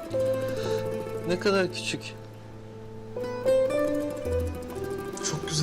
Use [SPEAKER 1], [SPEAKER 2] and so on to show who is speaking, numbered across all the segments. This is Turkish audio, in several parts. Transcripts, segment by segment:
[SPEAKER 1] Ne kadar küçük.
[SPEAKER 2] Çok güzel.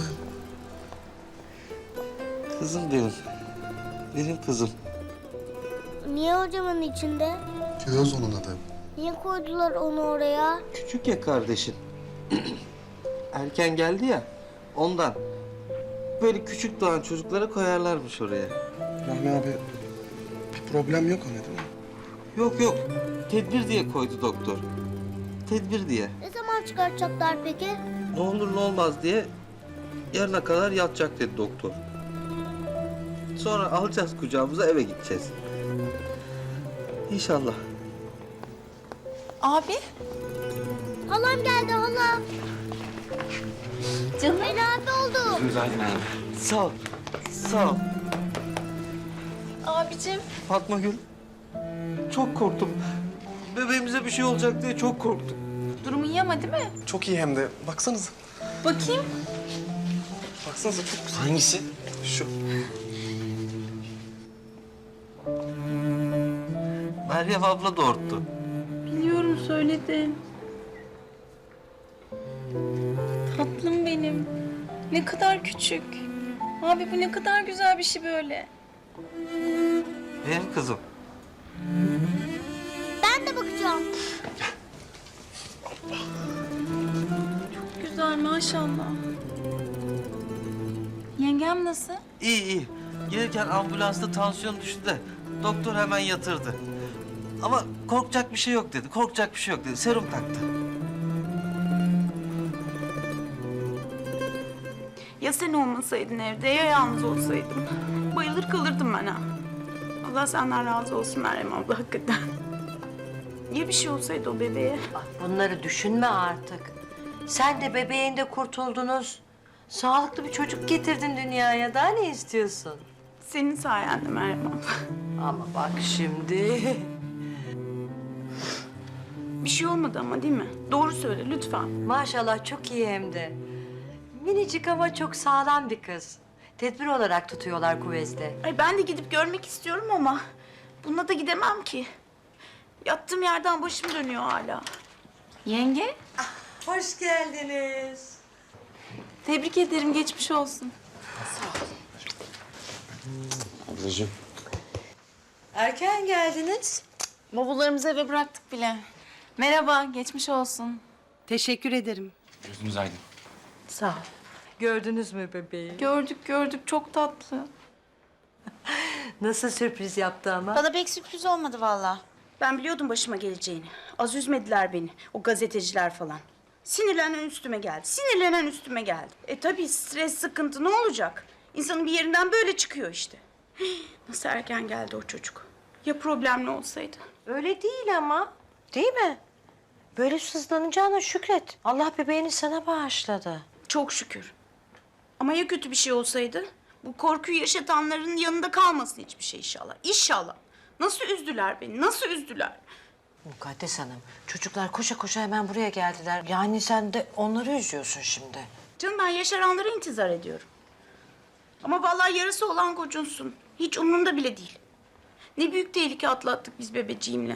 [SPEAKER 1] Kızım benim. Benim kızım.
[SPEAKER 3] Niye hocamın içinde?
[SPEAKER 2] Fiyoz onun adı.
[SPEAKER 3] Niye koydular onu oraya?
[SPEAKER 1] Küçük ya kardeşin. Erken geldi ya. Ondan. Böyle küçük doğan çocuklara koyarlarmış oraya.
[SPEAKER 2] Rahmi abi bir problem yok ona değil mi?
[SPEAKER 1] Yok yok. Tedbir diye koydu doktor. Tedbir diye.
[SPEAKER 3] Ne zaman çıkartacaklar peki?
[SPEAKER 1] Ne olur ne olmaz diye yarına kadar yatacak dedi doktor. Sonra alacağız kucağımıza, eve gideceğiz. İnşallah.
[SPEAKER 4] Abi.
[SPEAKER 3] Halam geldi halam.
[SPEAKER 4] Canım.
[SPEAKER 3] Ali abi oldu.
[SPEAKER 1] Sağ ol. Sağ ol.
[SPEAKER 4] Abicim.
[SPEAKER 1] Fatma Gül. Çok korktum. Bebeğimize bir şey olacak diye çok korktum.
[SPEAKER 4] Durumu iyi ama değil mi?
[SPEAKER 2] Çok iyi hem de. Baksanıza.
[SPEAKER 4] Bakayım.
[SPEAKER 2] Baksanıza çok güzel.
[SPEAKER 1] Hangisi?
[SPEAKER 2] Şu.
[SPEAKER 1] Meryem abla doğurttu.
[SPEAKER 4] Biliyorum söyledin. Tatlım benim. Ne kadar küçük. Abi bu ne kadar güzel bir şey böyle.
[SPEAKER 1] Benim kızım.
[SPEAKER 3] Ben de bakacağım.
[SPEAKER 4] Çok güzel maşallah. Yengem nasıl?
[SPEAKER 1] İyi iyi. Gelirken ambulansta tansiyon düştü de doktor hemen yatırdı. Ama korkacak bir şey yok dedi. Korkacak bir şey yok dedi. Serum taktı.
[SPEAKER 5] Ya sen olmasaydın evde ya yalnız olsaydım. Bayılır kalırdım ben ha. Allah senden razı olsun Meryem abla hakikaten. Ya bir şey olsaydı o bebeğe?
[SPEAKER 6] Bak bunları düşünme artık. Sen de bebeğin de kurtuldunuz. Sağlıklı bir çocuk getirdin dünyaya. Daha ne istiyorsun?
[SPEAKER 5] Senin sayende Meryem abla.
[SPEAKER 6] Ama bak şimdi.
[SPEAKER 5] Bir şey olmadı ama değil mi? Doğru söyle lütfen.
[SPEAKER 6] Maşallah çok iyi hem de. Minicik ama çok sağlam bir kız. Tedbir olarak tutuyorlar kuvvetle.
[SPEAKER 5] Ay ben de gidip görmek istiyorum ama bununla da gidemem ki. Yattığım yerden başım dönüyor hala.
[SPEAKER 4] Yenge.
[SPEAKER 6] Hoş geldiniz.
[SPEAKER 4] Tebrik ederim geçmiş olsun.
[SPEAKER 2] Ablacığım.
[SPEAKER 6] Erken geldiniz.
[SPEAKER 4] Bavullarımızı eve bıraktık bile. Merhaba, geçmiş olsun.
[SPEAKER 7] Teşekkür ederim.
[SPEAKER 2] Gözünüz aydın.
[SPEAKER 6] Sağ ol. Gördünüz mü bebeği?
[SPEAKER 4] Gördük gördük, çok tatlı.
[SPEAKER 6] Nasıl sürpriz yaptı ama?
[SPEAKER 5] Bana pek sürpriz olmadı vallahi. Ben biliyordum başıma geleceğini. Az üzmediler beni. O gazeteciler falan. Sinirlenen üstüme geldi. Sinirlenen üstüme geldi. Tabii stres, sıkıntı ne olacak? İnsanın bir yerinden böyle çıkıyor işte. Nasıl erken geldi o çocuk. Ya problemli olsaydı?
[SPEAKER 6] Öyle değil ama. Değil mi? Böyle sızlanacağına şükret. Allah bebeğini sana bağışladı.
[SPEAKER 5] Çok şükür. Ama ya kötü bir şey olsaydı? Bu korkuyu yaşatanların yanında kalmasın hiçbir şey inşallah. İnşallah. Nasıl üzdüler beni, nasıl üzdüler?
[SPEAKER 6] Mukaddes Hanım, çocuklar koşa koşa hemen buraya geldiler. Yani sen de onları üzüyorsun şimdi.
[SPEAKER 5] Canım ben yaşaranlara intizar ediyorum. Ama vallahi yarısı olan gocunsun. Hiç umurumda bile değil. Ne büyük tehlike atlattık biz bebeciğimle.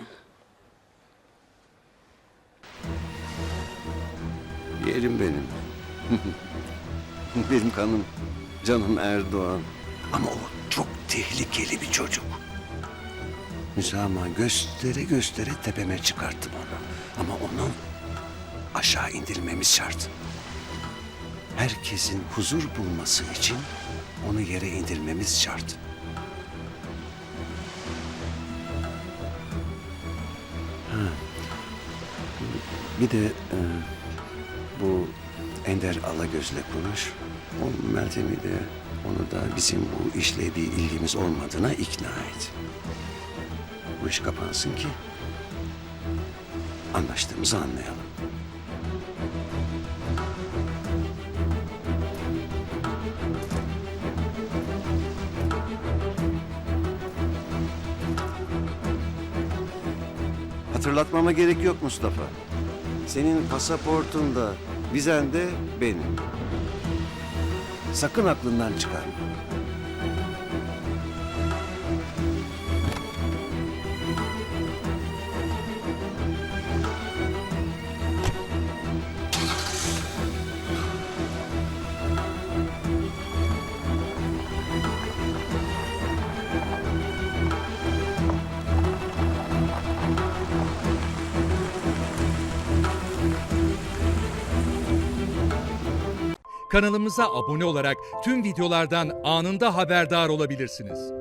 [SPEAKER 8] Yerim benim. Benim kanım, canım Erdoğan. Ama o çok tehlikeli bir çocuk. Müsamaha göstere göstere tepeme çıkarttım onu. Ama onu aşağı indirmemiz şart. Herkesin huzur bulması için onu yere indirmemiz şart. Ha. Bir de bu Ender Alagöz'le konuş. O Meltem'i de onu da bizim bu işle bir ilgimiz olmadığına ikna et. Bu iş kapansın ki anlaştığımızı anlayalım. Hatırlatmama gerek yok Mustafa. Senin pasaportun da vizen de benim. Sakın aklından çıkarma.
[SPEAKER 7] Kanalımıza abone olarak tüm videolardan anında haberdar olabilirsiniz.